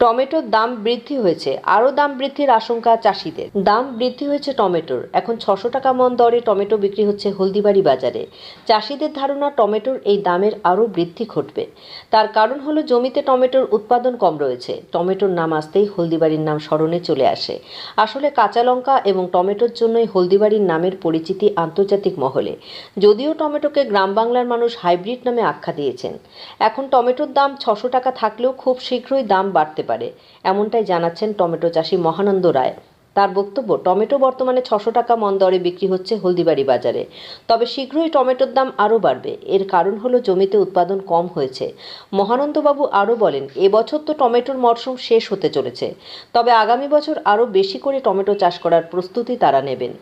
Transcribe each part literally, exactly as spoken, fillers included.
টমেটোর দাম বৃদ্ধি হয়েছে, আরও দাম বৃদ্ধির আশঙ্কা চাষিদের। দাম বৃদ্ধি হয়েছে টমেটোর। এখন ছশো টাকা মন দরে টমেটো বিক্রি হচ্ছে হলদিবাড়ি বাজারে। চাষিদের ধারণা টমেটোর এই দামের আরও বৃদ্ধি ঘটবে। তার কারণ হলো জমিতে টমেটোর উৎপাদন কম রয়েছে। টমেটোর নাম আসতেই হলদিবাড়ির নাম স্মরণে চলে আসে। আসলে কাঁচা লঙ্কা এবং টমেটোর জন্যই হলদিবাড়ির নামের পরিচিতি আন্তর্জাতিক মহলে। যদিও টমেটোকে গ্রাম বাংলার মানুষ হাইব্রিড নামে আখ্যা দিয়েছেন। এখন টমেটোর দাম ছশো টাকা থাকলেও খুব শীঘ্রই দাম বাড়তে পারে, এমনটাই জানাচ্ছেন টমেটো চাষি মহানন্দ রায়। তার বক্তব্য, টমেটো বর্তমানে ছশো টাকা মন দরে বিক্রি হচ্ছে হলদিবাড়ি বাজারে। তবে শীঘ্রই টমেটোর দাম আরও বাড়বে। এর কারণ হলো জমিতে উৎপাদন কম হয়েছে। মহানন্দবাবু আরও বলেন, এবছর তো টমেটোর মরশুম শেষ হতে চলেছে, তবে আগামী বছর আরও বেশি করে টমেটো চাষ করার প্রস্তুতি তারা নেবেন।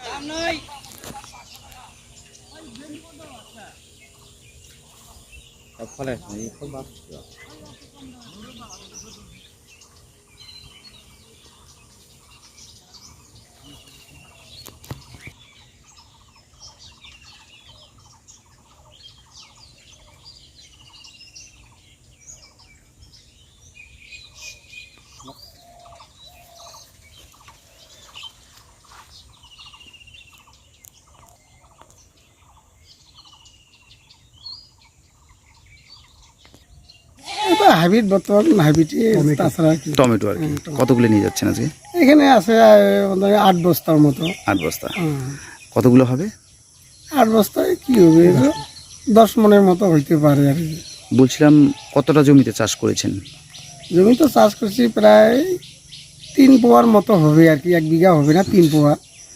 হাইব্রিড বর্তমান হাইব্রিড তাছাড়া কি টমেটো আর কি কতগুলো নিয়ে যাচ্ছেন আজকে? এখানে আছে আহ, আট বস্তার মতো। আট বস্তা। হুম। কতগুলো হবে? আট বস্তায় কি হবে, এটা দশ মনের মতো হইতে পারে আর কি। বলছিলাম কতটা জমিতে চাষ করেছেন? জমি তো চাষ করছি প্রায় তিন পোয়ার মতো হবে আর কি, এক বিঘা হবে না, তিন পোয়া।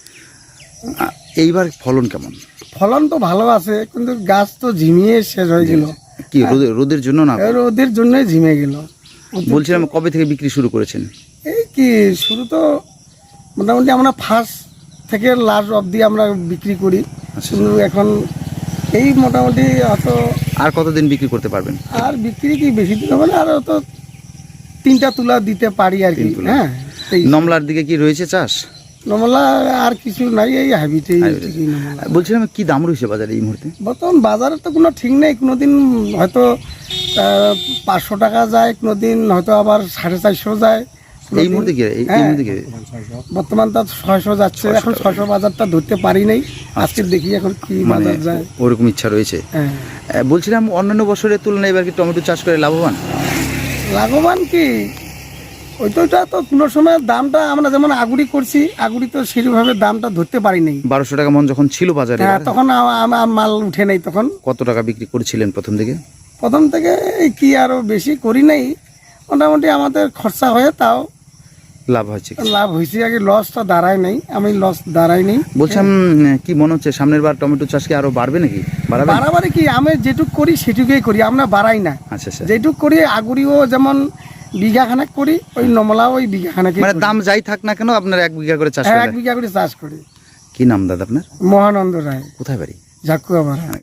আ- এইবার ফলন কেমন? ফলন তো ভালো আছে, কিন্তু গাছ তো ঝিমিয়ে শেষ হয়ে গেল। কি রোদের রোদের জন্য না? ওদের জন্যই ঝিমে গেল। বলছিলাম কবে থেকে বিক্রি শুরু করেছেন? এই কি শুরু তো মোটামুটি আমরা ফার্স্ট থেকে লাস্ট অবধি আমরা বিক্রি করি। আচ্ছা। কিন্তু এখন এই মোটামুটি হয়তো আর কতদিন বিক্রি করতে পারবেন? আর বিক্রি কি বেশি দিন হবে না, আর তো তিনটা তুলা দিতে পারি আর কি। তিন তুলা। হ্যাঁ, এই নমলার দিকে কি রয়েছে চাষ? নমলা আর কিছু নাই, এই হাইব্রিডেই Hybrid। ঠিকই নমলা। বলছিলাম কি দাম রয়েছে বাজারে এই মুহূর্তে? বর্তমান বাজারে তো কোনো ঠিক নেই, কোনোদিন হয়তো আহ, পাঁচশো টাকা যায়, কোনোদিন হয়তো আবার সাড়ে চারশো যায়। এই কোনোদিন- মুহূর্তে কি এই- এই হ্যাঁ, মুহূর্তে কি? বর্তমান তো ছয়শো যাচ্ছে। এখন ছয়শো বাজারটা ধরতে পারি নাই, আজকে দেখি এখন কি মানে বাজার যায়। ওরকম ইচ্ছা রয়েছে। হ্যাঁ, আহ, বলছিলাম অন্যান্য বছরের তুলনায় এবার কি টমেটো চাষ করে লাভবান? লাভবান কি ওই তো, ওইটা তো কোনো সময় দামটা আমরা যেমন আগুড়ি করছি, আগুড়ি তো সেরকমভাবে দামটা ধরতে পারি নাই। বারোশো টাকা মন যখন ছিল বাজারে, হ্যাঁ, তখন আ- আমার মাল উঠে নাই। তখন কত টাকা বিক্রি করেছিলেন প্রথম দিকে? প্রথম থেকে এই কি আরো বেশি করি নাই, মোটামুটি আমাদের খরচা হয়ে তাও লাভ হয়েছে কি? লাভ হয়েছে। আগে লসটা দাঁড়ায় নাই, আমি লস দাঁড়াই নাই। বলছিলাম কি মনে হচ্ছে সামনের বার টমেটো চাষ কি আরো বাড়বে নাকি? বাড়াবে? বাড়াবাড়ি কি, আমি যেটুক করি সেটুকুই করি, আমরা বাড়াই না। আচ্ছা আচ্ছা। যেটুক করি আগুড়িও যেমন বিঘা খানেক করি, ওই নমলাও ওই বিঘা খানেক। মানে দাম যাই থাক না কেন আপনার এক বিঘা করে চাষ এক করেন? বিঘা করে চাষ করি। কি নাম দাদা আপনার? মহানন্দ রায়, কোথায় বাড়ি? ঝাকুয়া পাড়া।